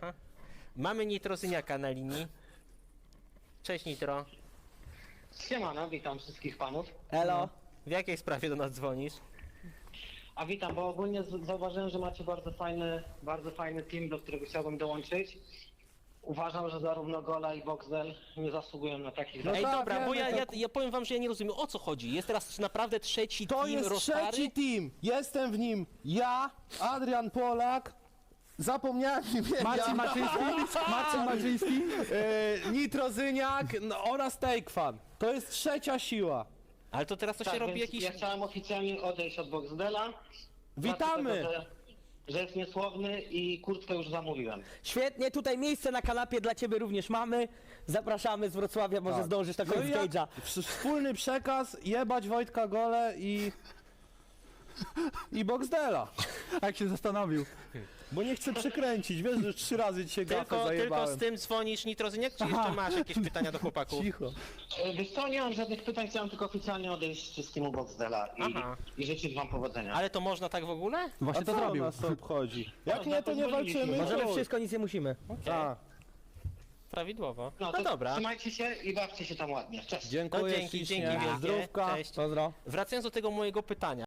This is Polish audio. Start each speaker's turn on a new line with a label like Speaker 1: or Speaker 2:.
Speaker 1: Aha. Mamy Nitrozyniaka na linii. Cześć Nitro.
Speaker 2: Siemano, witam wszystkich panów.
Speaker 3: Elo.
Speaker 1: W jakiej sprawie do nas dzwonisz?
Speaker 2: A witam, bo ogólnie zauważyłem, że macie bardzo fajny team, do którego chciałbym dołączyć. Uważam, że zarówno Gola i Boxdel nie zasługują na takich
Speaker 1: Ej,
Speaker 3: tak,
Speaker 1: dobra,
Speaker 3: wiemy,
Speaker 1: bo ja
Speaker 3: to-
Speaker 1: ja powiem wam, że ja nie rozumiem, o co chodzi. Jest teraz naprawdę trzeci
Speaker 3: To
Speaker 1: team
Speaker 3: jest
Speaker 1: Rostary?
Speaker 3: trzeci team. Jestem w nim ja, Adrian Polak, zapomniałem imienia.
Speaker 4: Marcin Maczyński?
Speaker 3: Nitrozyniak oraz Takefan. To jest trzecia siła.
Speaker 1: Ale to teraz to się
Speaker 2: Tak,
Speaker 1: robi
Speaker 2: więc
Speaker 1: jakiś...
Speaker 2: ja chciałem oficjalnie odejść od Boxdela.
Speaker 3: Witamy!
Speaker 2: Dlatego, że jest niesłowny i kurtkę już zamówiłem.
Speaker 5: Świetnie, tutaj miejsce na kanapie dla ciebie również mamy. Zapraszamy z Wrocławia, może
Speaker 3: Tak.
Speaker 5: zdążysz na
Speaker 3: No
Speaker 5: koniec
Speaker 3: i jak-
Speaker 5: stage'a.
Speaker 3: Wspólny przekaz, jebać Wojtka Gole i Boxdela.
Speaker 4: Jak się zastanowił.
Speaker 3: Bo nie chcę przekręcić, wiesz, że 3 razy dzisiaj gafę
Speaker 1: Tylko
Speaker 3: zajebałem.
Speaker 1: z tym dzwonisz Nitrozyniak, czy jeszcze masz jakieś pytania do chłopaków?
Speaker 3: Cicho.
Speaker 2: Wiesz co, nie mam żadnych pytań, chciałem tylko oficjalnie odejść z teamu Boxdela
Speaker 1: Aha.
Speaker 2: i życzyć wam powodzenia.
Speaker 1: Ale to można tak w ogóle?
Speaker 3: A
Speaker 4: Właśnie to
Speaker 3: co
Speaker 4: zrobił.
Speaker 3: nas to obchodzi? Jak
Speaker 2: No,
Speaker 3: nie, to nie
Speaker 2: pozwoliliśmy.
Speaker 3: walczymy.
Speaker 5: Możemy
Speaker 3: chuj.
Speaker 5: wszystko, nic nie musimy.
Speaker 3: A,
Speaker 1: Prawidłowo.
Speaker 2: No
Speaker 1: No
Speaker 2: to
Speaker 1: dobra.
Speaker 2: trzymajcie się i bawcie się tam ładnie. Cześć.
Speaker 3: dziękuję
Speaker 1: To dzięki
Speaker 3: ślicznie.
Speaker 1: wielkie.
Speaker 3: Zdrówka.
Speaker 1: Cześć.
Speaker 5: Pozdro.
Speaker 1: Wracając do tego mojego pytania.